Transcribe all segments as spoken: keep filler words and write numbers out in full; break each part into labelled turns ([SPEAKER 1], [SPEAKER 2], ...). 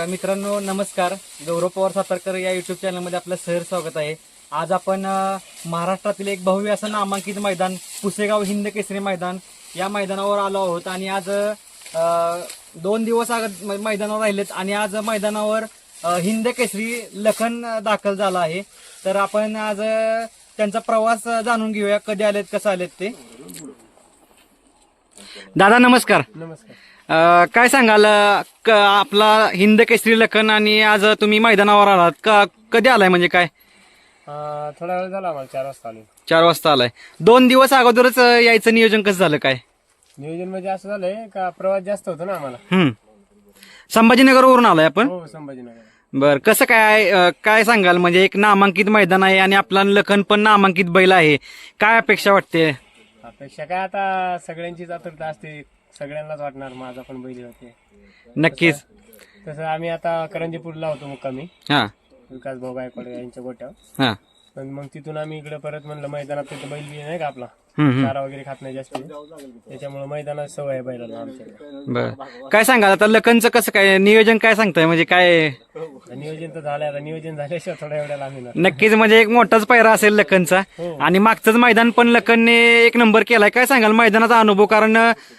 [SPEAKER 1] मित्रांनो नमस्कार. गौरव पवार सातारकर या युट्यूब चॅनलमध्ये आपलं सहर स्वागत आहे. आज आपण अ, महाराष्ट्रातील एक भव्य असं नामांकित मैदान पुसेगाव हिंद केसरी मैदान या मैदानावर आलो आहोत आणि आज अ, दोन दिवस आग मैदानावर राहिलेत आणि आज मैदानावर अ, हिंद केसरी लखन दाखल झाला आहे. तर आपण आज अ, त्यांचा प्रवास जाणून घेऊया, कधी आलेत, कसं आलेत ते. दादा नमस्कार.
[SPEAKER 2] नमस्कार.
[SPEAKER 1] अ, काय सांगाल अ, क- आपला हिंद केसरी लखन आणि आज तुम्ही मैदानावर आलात का, कधी आलाय म्हणजे काय?
[SPEAKER 2] अं, थोडा वेळ झाला आम्हाला, चार वाजता आलो.
[SPEAKER 1] चार वाजता आलाय. दोन दिवस अगोदरच अ, यायचं नियोजन कसं झालं काय?
[SPEAKER 2] नियोजन म्हणजे असं झालंय का प्रवास जास्त होतो ना आम्हाला.
[SPEAKER 1] हम्म संभाजीनगरवरून आलाय आपण.
[SPEAKER 2] हो, संभाजीनगर.
[SPEAKER 1] बर, कसं काय अ, काय सांगाल म्हणजे एक नामांकित मैदान आहे आणि आपला लखन पण नामांकित बैल आहे, काय अपेक्षा वाटते?
[SPEAKER 2] अपेक्षा काय, आता सगळ्यांचीच आतुरता असते, सगळ्यांनाच वाटणार माझा पण बैल होते.
[SPEAKER 1] नक्कीच.
[SPEAKER 2] तसं आम्ही आता करंजीपूरला होतो मुक्कामी,
[SPEAKER 1] हा
[SPEAKER 2] विकास भाऊ गायकवाड यांच्या गोट्यावर.
[SPEAKER 1] हा
[SPEAKER 2] पण मग तिथून आम्ही इकडे परत म्हणलं मैदानात तिथं बैल बी नाही का आपला,
[SPEAKER 1] हम्म हम्म.
[SPEAKER 2] चारा वगैरे खात नाही जास्त, त्याच्यामुळे मैदानात सवय आहे बैलाला आमच्याकडे.
[SPEAKER 1] बर, काय सांगाल आता लखनचं कसं काय नियोजन, काय सांगताय म्हणजे काय?
[SPEAKER 2] नियोजन तर झालंय, आता नियोजन झाल्याशिवाय थोड्या एवढ्या आम्ही
[SPEAKER 1] नक्कीच, म्हणजे एक मोठाच पायरा असेल लखनचा.
[SPEAKER 2] हो.
[SPEAKER 1] आणि मागचंच मैदान पण लखनने एक नंबर केलाय. काय सांगाल मैदानाचा अनुभव? कारण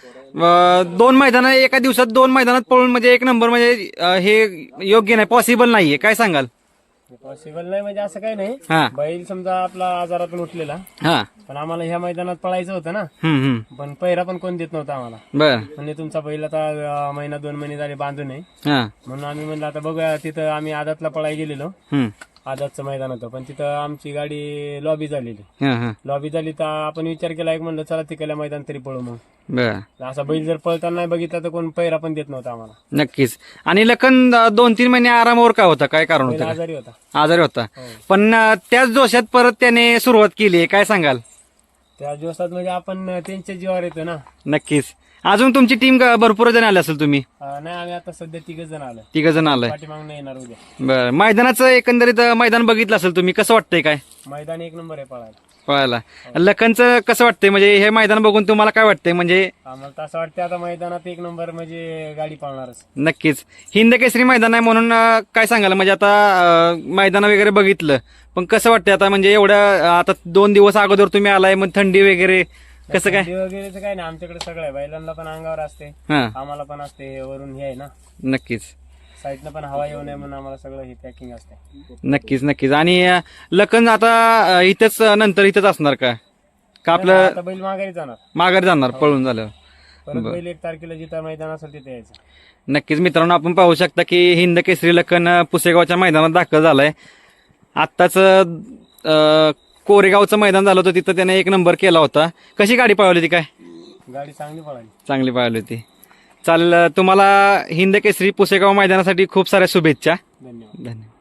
[SPEAKER 1] अं, दोन मैदान एका दिवसात दोन मैदानात पळून म्हणजे एक नंबर म्हणजे अं, हे योग्य नाही, पॉसिबल नाहीये. काय सांगाल?
[SPEAKER 2] पॉसिबल नाही म्हणजे असं काही नाही.
[SPEAKER 1] हा
[SPEAKER 2] बैल समजा आपला आजारातून उठलेला,
[SPEAKER 1] हा
[SPEAKER 2] पण आम्हाला ह्या मैदानात पळायचं होतं ना,
[SPEAKER 1] हम्म हम्म.
[SPEAKER 2] पण पहिरा पण कोण देत नव्हता आम्हाला.
[SPEAKER 1] बर.
[SPEAKER 2] म्हणजे तुमचा बैल आता अं, महिना दोन महिने झाले बांधून आहे,
[SPEAKER 1] हा
[SPEAKER 2] म्हणून आम्ही म्हणलं आता बघूया. तिथं आम्ही आदातला पळायला गेलेलो,
[SPEAKER 1] हम्म
[SPEAKER 2] आदातचं मैदान होतं, पण तिथं आमची गाडी लॉबी झालेली.
[SPEAKER 1] हा हा
[SPEAKER 2] लॉबी झाली तर आपण विचार केला, एक म्हणलं चला तिकडल्या मैदान तरी पळू. मग
[SPEAKER 1] बर,
[SPEAKER 2] असा बैल जर पळताना नाही बघितला तर कोण पहिरा पण देत नव्हता आम्हाला.
[SPEAKER 1] नक्कीच. आणि लखन अं, दोन तीन महिने आरामावर का होता, काय कारण
[SPEAKER 2] बैल
[SPEAKER 1] होतं?
[SPEAKER 2] आजारी होता.
[SPEAKER 1] आजारी होता.
[SPEAKER 2] हो.
[SPEAKER 1] पण अं, त्याच जोशात परत त्याने सुरुवात केली, काय सांगाल?
[SPEAKER 2] त्या दिवसात म्हणजे आपण त्यांच्या जीवावर येतो ना.
[SPEAKER 1] नक्कीच. अजून तुमची टीम भरपूर जण आले असेल, तुम्ही
[SPEAKER 2] अं, नाही, आम्ही आता सध्या तिघ जण आलो,
[SPEAKER 1] तिघ जण आलाय.
[SPEAKER 2] पाठीमागून येणार उद्या.
[SPEAKER 1] बर, मैदानाचं एकंदरीत अं, मैदान बघितलं असेल तुम्ही, कसं वाटतंय काय
[SPEAKER 2] मैदान एक नंबर आहे पळायला.
[SPEAKER 1] पळायला? लखनचं कसं वाटतंय म्हणजे हे मैदान बघून तुम्हाला काय वाटतंय म्हणजे?
[SPEAKER 2] आम्हाला तर असं वाटतं आता मैदानात एक नंबर म्हणजे गाडी पळणारच.
[SPEAKER 1] नक्कीच हिंद केसरी मैदान आहे म्हणून अं, काय सांगाल म्हणजे आता अं, मैदान वगैरे बघितलं, पण कसं वाटतंय आता म्हणजे एवढ्या अं, आता दोन दिवस अगोदर तुम्ही आलाय, मग थंडी वगैरे कसं काय?
[SPEAKER 2] थंडी वगैरेचं काय नाही, आमच्याकडे सगळं आहे. बैलांना पण अंगावर असते,
[SPEAKER 1] हा
[SPEAKER 2] आम्हाला पण असते, वरून हे आहे ना,
[SPEAKER 1] नक्कीच
[SPEAKER 2] साईडनं पण हवा येऊ नये म्हणून आम्हाला सगळं हे पॅकिंग असते.
[SPEAKER 1] नक्कीच नक्कीच. आणि अं, लखन आता अं, इथंच अं, नंतर इथंच असणार का का आपलं
[SPEAKER 2] आता बैल माघारी जाणार,
[SPEAKER 1] माघारी जाणार पळून झाल्यावर?
[SPEAKER 2] परत बैल एक तारखेला जिथं मैदान असेल तिथे यायचं.
[SPEAKER 1] नक्कीच मित्रांनो, आपण पाहू शकता की हिंद केसरी लखन अं, पुसेगावच्या मैदानात दाखल झालाय. आत्ताच अं, कोरेगावचं मैदान झालं होतं, तिथं त्याने एक नंबर केला होता. कशी गाडी पळवली होती? काय
[SPEAKER 2] गाडी चांगली पळाली.
[SPEAKER 1] चांगली पळवली होती. चालेल, तुम्हाला हिंद केसरी पुसेगाव मैदानासाठी खूप साऱ्या शुभेच्छा.
[SPEAKER 2] धन्यवाद.
[SPEAKER 1] धन्यवाद.